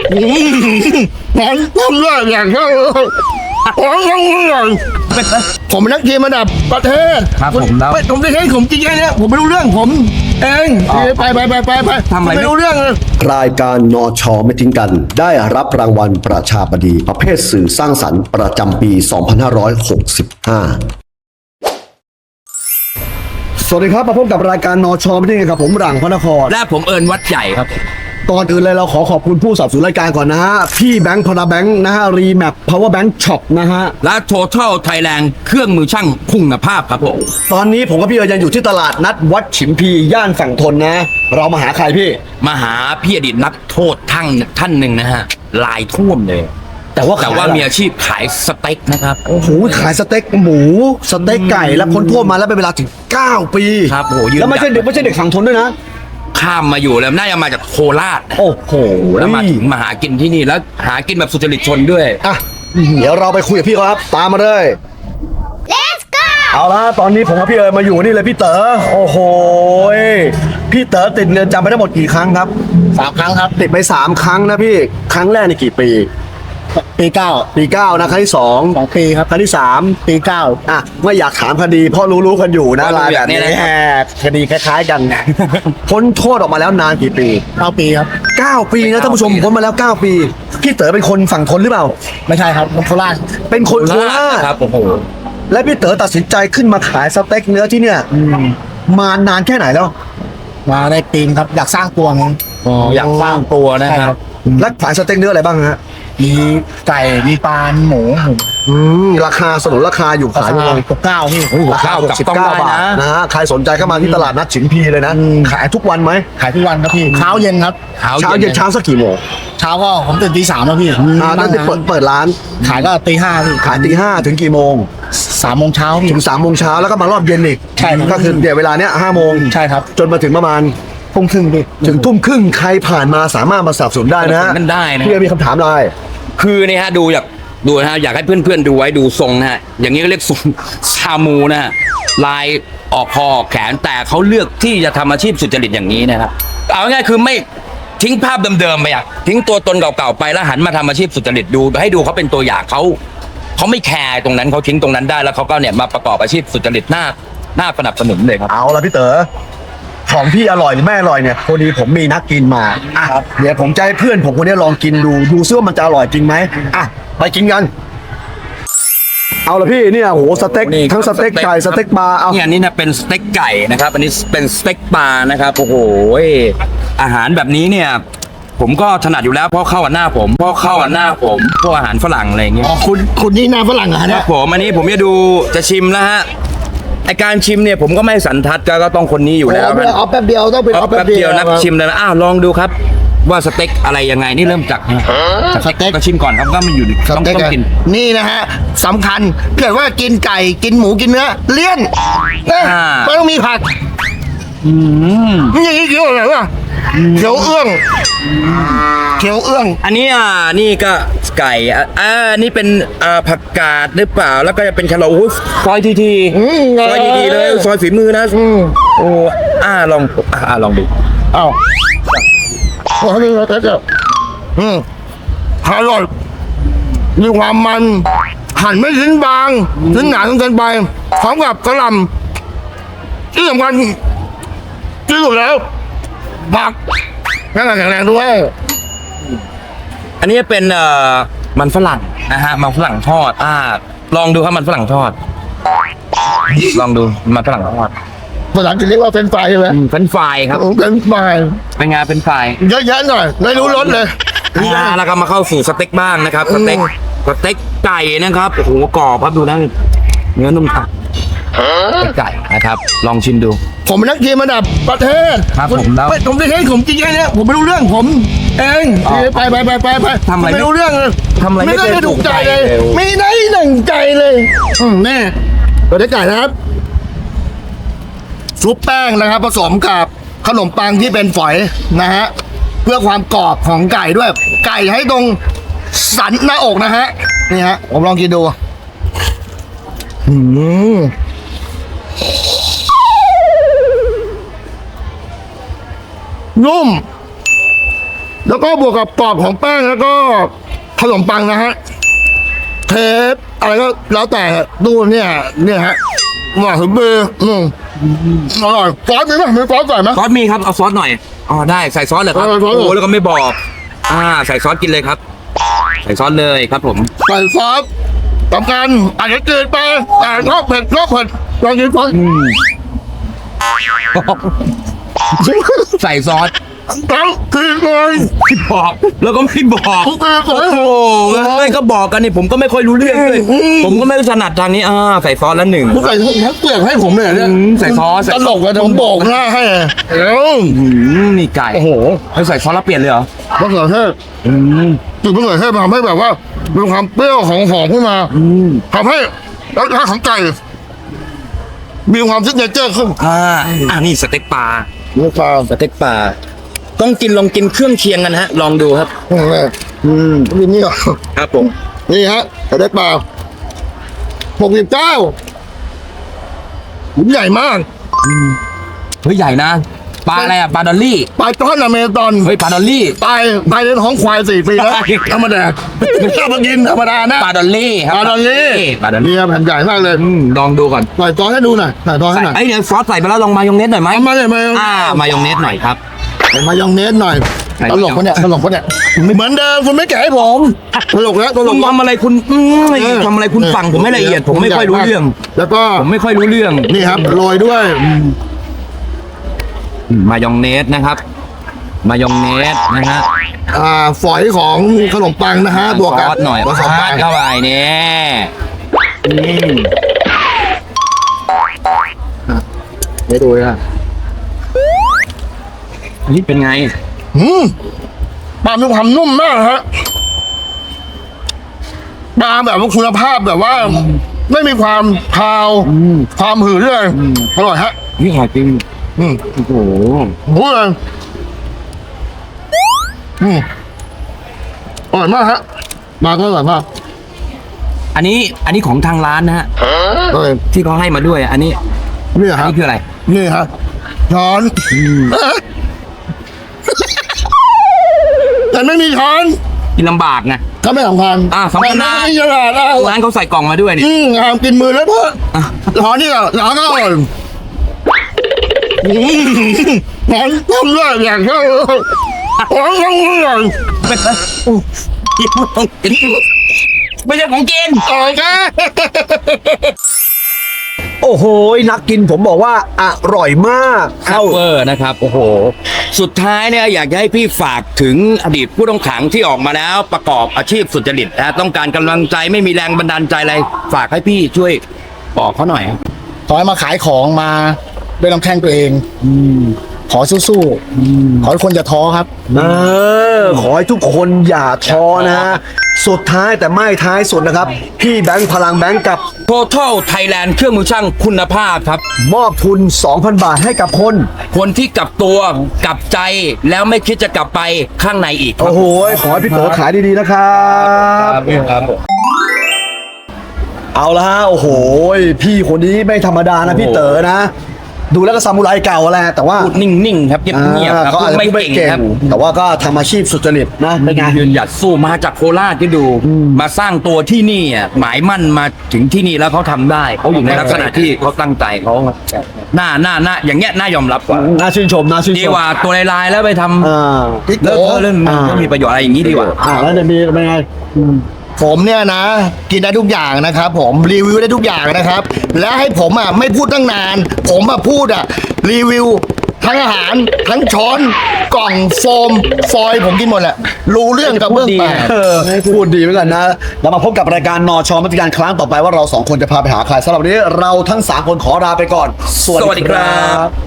ผมทำได้อย่างเดียวเลยผมทำได้ผมเป็นนักกีฬาระดับประเทศครับผมแล้วผมได้ให้ผมจริงแค่นี้ผมไม่รู้เรื่องผมเองไปทำอะไรไม่รู้เรื่องเลยรายการนชไม่ทิ้งกัน ได้รับรางวัลประชาบดีประเภทสื่อสร้างสรรค์ประจำปี 2565 สวัสดีครับมาพบกับรายการนชไม่ทิ้งกันกับผมหลังพระนครและผมเอิญวัดใหญ่ครับก่อนอื่นเลยเราขอบคุณผู้สนับสนุนรายการก่อนนะฮะพี่แบงค์พนาแบงค์นะฮะรีแมป power bank shop นะฮะและ Total Thailand เครื่องมือช่างคุณภาพครับผมตอนนี้ผมกับพี่เอิญยังอยู่ที่ตลาดนัดวัดฉิมพีย่านฝั่งทนนะ เรามาหาใครพี่มาหาพี่อดีตนักโทษท่านหนึ่งนะฮะลายท่วมเลยแต่ว่ามีอาชีพขายสเต็กนะครับโอ้โหขายสเต็กหมูสเต็กไก่แล้วพ้นโทษมาแล้วเป็นเวลาถึง 9 ปีครับโอ้โหยืนแล้วไม่ใช่เด็กฝั่งทนด้วยนะข้ามมาอยู่แล้วน่าจะมาจากโคราชโอ้โหแล้วมาถึงมาหากินที่นี่แล้วหากินแบบสุจริตชนด้วยอ่ะเดี๋ยวเราไปคุยกับพี่เขาครับตามมาเลย Let's go เอาละตอนนี้ผมกับพี่เอิญมาอยู่นี่เลยพี่เต๋อโอ้โหพี่เต๋อติดเรือนจำไปทั้งหมดกี่ครั้งครับ 3 ครั้งครับติดไป3 ครั้งนะพี่ครั้งแรกในกี่ปีปี 9 ปี9นะครั้งที่2 2 ปีครับครั้งที่3 ปี 9 อ่ะไม่อยากถามคดีเพราะรู้กันอยู่นะว่ารู้รายแบบนี้อย่างนี้นะแหมคดีคล้ายๆกัน พ้นโทษออกมาแล้วนานกี่ปี 9 ปีครับ 9 ปีนะท่านผู้ชมพ้นมาแล้ว 9 ปีพี่เต๋อเป็นคนฝั่งทนหรือเปล่าไม่ใช่ครับโคราชเป็นคนโคราชครับโอ้โหและพี่เต๋อตัดสินใจขึ้นมาขายสเต็กเนื้อที่เนี่ยมานานแค่ไหนแล้วมาได้ปีนครับอยากสร้างตัวไงอยากสร้างตัวนะครับและขายสเต็กเนื้ออะไรบ้างฮะมีไก่มีปลาหมูราคาสนุนราคาอยู่ขายยังไง 69พี่ราคา 69 69 บาทนะฮะใครสนใจก็มาที่ตลาดนัดฉิมพีเลยนะ ขายทุกวันไหมขายทุกวันครับพี่เช้าเย็นครับเช้าเย็นเช้าสักกี่โมงเช้าก็ผมตื่นตี 3แล้วพี่ตั้งแต่เปิดร้านขายก็ตี 5พี่ขายตี 5ถึงกี่โมง 3 โมงเช้าพี่ถึง3 โมงเช้าแล้วก็มารอบเย็นอีกใช่ครับก็คือเดี๋ยวเวลาเนี้ย5 โมงใช่ครับจนมาถึงประมาณทุ่มครึ่งพี่ถึงทุ่มครึ่งใครผ่านมาสามารถมาสนับสนุนได้นะฮะมันได้นะพี่มีคำถามอะไรคือเนี่ยฮะดูนะฮะอยากให้เพื่อนๆดูไว้ดูทรงนะฮะอย่างนี้ก็เรียกทรงซามูนะฮะลายออกคอออกแขนแต่เขาเลือกที่จะทำอาชีพสุจริตอย่างนี้นะครับเอาง่ายๆคือไม่ทิ้งภาพเดิมๆไปอ่ะทิ้งตัวตนเก่าๆไปแล้วหันมาทำอาชีพสุจริตดูให้ดูเขาเป็นตัวอย่างเขาไม่แคร์ตรงนั้นเขาทิ้งตรงนั้นได้แล้วเขาก็เนี่ยมาประกอบอาชีพสุจริตหน้าสนับสนุนเลยครับเอาละพี่เต๋อของพี่อร่อยหรือไม่อร่อยเนี่ยพอดีผมมีนักกินมาอ่ะเดี๋ยวผมจะให้เพื่อนผมคนนี้ลองกินดูซิว่ามันจะอร่อยจริงไหมอ่ะไปกินกัน เอาละพี่เนี่ยโหสเต็กนี่ทั้งสเต็กไก่สเต็กปลาเอาเนี่ยอันนี่นะเป็นสเต็กไก่นะครับ อันนี้เป็นสเต็กปลานะครับโอ้โหอาหารแบบนี้เนี่ย ผมก็ถนัดอยู่แล้วเพราะเข้ากับหน้าผมพวกอาหารฝรั่งอะไรอย่างเงี้ยอ๋อคุณนี่หน้าฝรั่งเหรอคเนี่รัยบผมอันนี้ผมจะดูจะชิมแล้วฮะไอการชิมเนี่ยผมก็ไม่สันทัดก็ต้องคนนี้อยู่แล้วเอาแป๊บเดียวต้องเป็นเอาแป๊บเดียวนักชิมเลยนะลองดูครับ ว่าสเต็กอะไรยังไงนี่เริ่มจากสเต็กก็ชิมก่อนครับก็มันอยู่ต้องกินนี่นะฮะสำคัญเกิดว่ากินไก่กินหมูกินเนื้อเลี่ยนไม่ต้องมีผักนี่อย่างนี้เกี่ยวอะไรวะเขียวเอื้องอันนี้นี่ก็ไก่นี่เป็นผักกาดหรือเปล่าแล้วก็จะเป็นแครอทซอยทีซอยดีๆเลยซอยฝีมือนะโอ้ลองดูอ้าวพอนี่เราจะอร่อยมีความมันหั่นไม่ชิ้นบางชิ้นหนาจนเกินไปพร้อมกับกระหล่ำที่สำคัญที่สุดแล้วผักแข็งแรงด้วยอันนี้เป็นมันฝรั่งนะฮะมันฝรั่งทอดลองดูครับมันฝรั่งทอดลองดูมันฝรั่งทอดภาษาอังกฤษเรียกว่าเฟรนช์ฟรายใช่ไหมเป็นไฟครับเฟรนช์ฟรายเป็นไงเป็นไฟเยอะๆหน่อยไม่รู้รสเลยแล้วก็มาเข้าสู่สเต็กบ้างนะครับสเต็กไก่นะครับโอ้โหกรอบครับดูนะเนื้อนุ่มครับสเต็กไก่นะครับลองชิมดูผมเป็นนักกีฬาระดับประเทศครับผมแล้วผมได้ให้ผมจริงแค่นี้ผมไม่รู้เรื่องผมเองไปทำอะไรไม่รู้เรื่องเลยทำอะไรไม่ไม่เคยได้ถูกใจเลยถูกใจเลยไม่ได้หนังใจเลยแน่ตัวได้ไก่นะครับซุปแป้งนะครับผสมกับขนมปังที่เป็นฝอยนะฮะเพื่อความกรอบของไก่ด้วย ไก่ให้ตรงสันหน้าอกนะฮะนี่ฮะผมลองกินดูนุ่มแล้วก็บวกกับกรอบของแป้งแล้วก็ขนมปังนะฮะเทปอะไรก็แล้วแต่ดูเนี่ยฮะหวานถึงมืออร่อยซอสมีไหมมีซอสใส่ไหมซอสมีครับ เอาซอสหน่อย อ๋อ ได้ ใส่ซอสเหรอครับเออซอสโอ้แล้วก็ไม่บอก ใส่ซอสกินเลยครับ ใส่ซอสเลยครับผมใส่ซอสสำคัญอาจจะจืดไปแต่ชอบเผ็ดลองกินซอสใส่ซอสต้องกินเลยไม่บอก แล้วก็ไม่บอกต้องกินเลโอ้ยโหไม่ก็บอกกันนี่ผมก็ไม่ค่อยรู้เรื่องเลย ผมก็ไม่ถนัดทางนี้ ใส่ซอสแล้วหนึ่งคุณใส่ทั้งเปลือกให้ผมเลยเนี่ยใส่ซอสใส่ตซอสลกเลยผมบอกหน้าให้นี่ไก่โอ้โหให้ใส่ซอสแล้วเปลี่ยนเลยเหรอมะเขือเทศจุดมะเขือเทศมันทำให้แบบว่ามีความเปรี้ยวของหอมขึ้นมาทำให้รสชาติของไก่มีความซิกเนเจอร์ขึ้นนี่สเต็กปลาเนื้อปลาสเต็กปลา ต้องลองกินเครื่องเคียงกันฮะ ลองดูครับนี่นี่เหรอครับผมนี่ฮะสเต็กปลา69หุ่นใหญ่มากเฮ้ยใหญ่นะ ปลาอะไรอ่ะ ปลาดอลลี่ปลาจ้อนอเมซอนเฮ้ย ปลาดอลลี่ตายในท้องควาย4 ปีแล้วธรรมดาไม่ชอบมากินธรรมดานะปลาดอลลี่ครัปลาดอลลี่ปลาดอลลี่นี่แผ่นใหญ่มากเลยลองดูก่อนใส่ซอสให้ดูหน่อยใส่ซอสให้หน่อยเดี๋ยวซอสใส่ไปแล้วลองมายองเนสหน่อยไหมเอามาเลยมามายองเนสหน่อยครับมายองเนสหน่อยใส่ตลกปะเนี่ยตลกปะเนี่ยเหมือนเดิมคุณไม่แกะให้ผมตลกแล้วตลคุกณทำอะไรคุณทำอะไรคุณฟังผมไม่ละเอียด ผมไม่ค่อยรู้เรื่องแล้วก็ผมไม่ค่อยรู้เรื่องนี่ครับโรยด้วยมายองเนสนะครับ มายองเนสนะฮะฝอยของขนมปังนะฮะบวกซกับอสหน่อยผสมราไปดเข้าไปเนี่ยไม่ดูนะนี่เป็นไงปลามีความนุ่มมากฮะปลาแบบว่าคุณภาพแบบว่า ไม่มีความคาวความหืดเลยอร่อยฮะนี่อร่อยจริง โอ้โหพูดเลยอร่อยมากฮะปลาก็อร่อยมากอันนี้ของทางร้านนะฮะเลยที่เขาให้มาด้วยอันนี้นี่อันฮะนี้คืออะไรนี่ฮะช้อนแต่ไม่มีช้อนกินลำบากไงก็ไม่สำคัญสำคัญนะไม่ฉลาดนะร้านเขาใส่กล่องมาด้วยนี่งามกินมือแล้วเพื่อช้อนนี่ก็ช้อนก็อร่อยช้อนต้มด้วยอย่างเช่นช้อนต้องอร่อยไม่ใช่ของกินอร่อยแค่โอ้โหนักกินผมบอกว่าอร่อยมากซัพเปอร์นะครับ โอ้โห สุดท้ายเนี่ยอยากจะให้พี่ฝากถึงอดีตผู้ต้องขังที่ออกมาแล้วประกอบอาชีพสุจริตนะต้องการกำลังใจไม่มีแรงบันดาลใจอะไร ฝากให้พี่ช่วยบอกเขาหน่อยครับขอให้มาขายของมาด้วยลำแข้งตัวเองขอสู้ๆขอให้คนอย่าท้อครับขอให้ทุกคนอย่าท้อนะ สุดท้ายแต่ไม่ท้ายสุดนะครับ พี่แบงค์พลังแบงค์กับ Total Thailand เครื่องมือช่างคุณภาพครับมอบทุน 2,000 บาทให้กับคนคนที่กลับตัวกลับใจแล้วไม่คิดจะกลับไปข้างในอีกครับโอ้โห ขอให้พี่เต๋อขายดีๆนะครับครับเอาละฮะ โอ้โห พี่คนนี้ไม่ธรรมดานะพี่เต๋อนะ ดูแล้วก็ซามูไรเก่าแหละแต่ว่าพูดนิ่งๆครับเงียบๆครับเขาอาจจะไม่พูดไม่เก่งเก่งครับแต่ว่าก็ทำอาชีพสุจริตนะเป็นไงยืนหยัดสู้มาจากโคราชที่ดู มาสร้างตัวที่นี่อ่ะหมายมั่นมาถึงที่นี่แล้วเขาทำได้เขาอยู่ในลักษณะที่เขาตั้งใจเขาหน้าอย่างเงี้ยน่ายอมรับกว่าน่าชื่นชมน่าชื่นดีชมกว่าตัวลายๆแล้วไปทำอ่าเลิกเรื่องไม่มีประโยชน์อะไรอย่างนี้ดีกว่าแล้วจะมีเป็นไงผมเนี่ยนะ กินได้ทุกอย่างนะครับ ผมรีวิวได้ทุกอย่างนะครับ และให้ผมไม่พูดตั้งนาน ผมพูดรีวิว ทั้งอาหารทั้งช้อนกล่องโฟมฟอยล์ผมกินหมดแหละรู้เรื่องกับเบื้องแตกพูดดีเหมือนกันนะ เรามาพบกับรายการนอชอมัติการครั้งต่อไปว่าเราสองคนจะพาไปหาใครสำหรับวันนี้เราทั้ง 3 คนขอลาไปก่อนสวัสดีครับ